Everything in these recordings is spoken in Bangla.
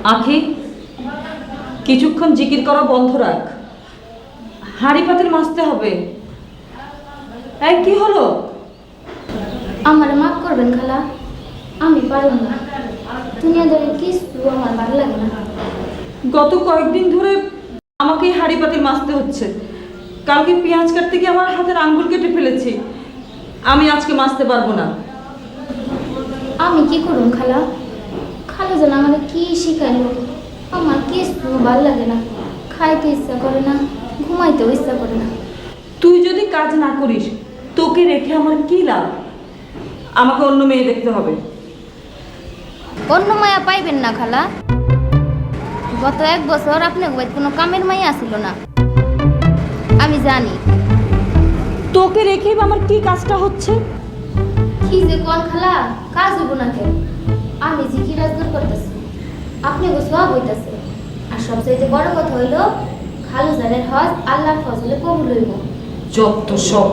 আখি, কিছুক্ষণ জিকির করা বন্ধ রাখ, হাঁড়ি পাতিল মাজতে হবে। এই কি হলো? আমার মাফ করবেন খালা, আমি পারব না। দুনিয়াদারি কিছু আমার ভালো লাগে না। গত কয়েকদিন ধরে আমাকেই হাঁড়ি পাতিল মাজতে হচ্ছে। কালকে পেঁয়াজ কাটতে গিয়ে আমার হাতের আঙ্গুল কেটে ফেলেছি। আমি আজকে মাজতে পারবো না। আমি কি করুন খালা? খালা যেন আমার কি শিখাইলো, আমার কিছু ভালো লাগে না। খাইতে ইচ্ছা করে না, ঘুমাইতেও ইচ্ছা করে না। তুই যদি কাজ না করিস, তোকে রেখে আমার কি লাভ? আমাকে অন্য মেয়ে দেখতে হবে। অন্য মায়া পাইবেন না খালা। গত 1 বছর আপনার বাড়িতে কোনো কামের মাইয়া আসিল না, আমি জানি। তোকে রেখেই বা আমার কি কাজটা হচ্ছে? কি যে কোন খালা, কাজ হইব না কেন? আমি যে কি রাজদূর করতেছি, আপনি গো সব হইতেছে। আর সবচাইতে বড় কথা হইল, খালু জানের হজ আল্লাহর ফজলে কবুল হইব। যত সব।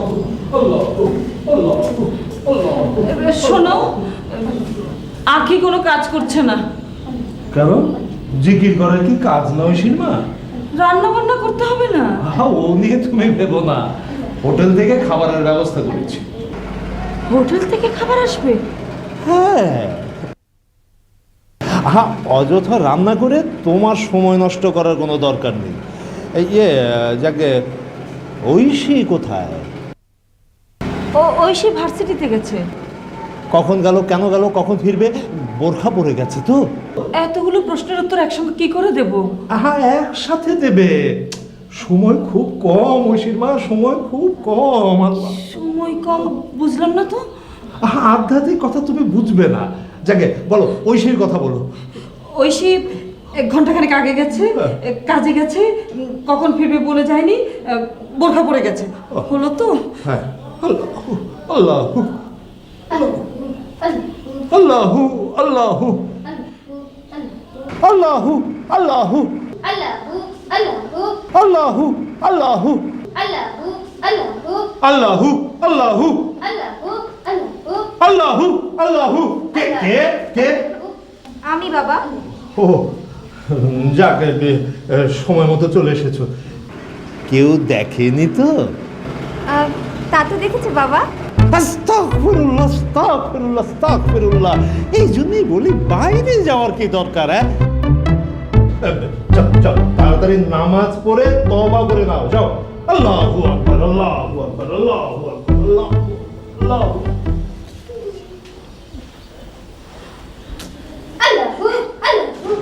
শোনো, আখি কোনো কাজ করছে না। কেন? জিকির করার কি কাজ নয় সিনেমা? রান্না বান্না করতে হবে না? ও নিয়ে তুমি ভেবো না, হোটেল থেকে খাবারের ব্যবস্থা করেছি। হোটেল থেকে খাবার আসবে? হ্যাঁ, অযথা রান্না করে তোমার সময় নষ্ট করার কোনো দরকার নেই। যাকে ঐশী কোথায়? ঐশী ভার্সিটিতে গেছে। কখন গেল, কেন গেল, কখন ফিরবে? বোরখা পরে গেছে তো। এতগুলো প্রশ্নের উত্তর একসঙ্গে কি করে দেব? একসাথে দেবে। সময় খুব কম ঐশীর মা, সময় খুব কম। সময় কম বুঝলাম না তো। আধ্যাত্মিক কথা তুমি বুঝবে না। যাকে বলো, ঐশীর কথা বলো। ঐশী 1 ঘন্টাখানেক আগে গেছে, কাজে গেছে, কখন ফিরবে বলে যায়নি, বোরখা পরে গেছে। হলো তো? হ্যাঁ, আল্লাহু আল্লাহু আল্লাহু আল্লাহু আল্লাহু আল্লাহু আল্লাহু আল্লাহু আল্লাহু আল্লাহু আল্লাহু। কে কে কে? আমি বাবা। ও যাক, সময় মতো চলে এসেছো। কেউ দেখেনি তো? তা তো দেখেছে বাবা। আস্তাগফিরুল্লাহ, আস্তাগফিরুল্লাহ, আস্তাগফিরুল্লাহ। এই জন্যই বলি, বাইরে যাওয়ার কি দরকার? চল চল, তাড়াতাড়ি নামাজ পড়ে তওবা করে নাও, যাও। আল্লাহু আকবার, আল্লাহু আকবার, আল্লাহু আকবার, আল্লাহু আকবার।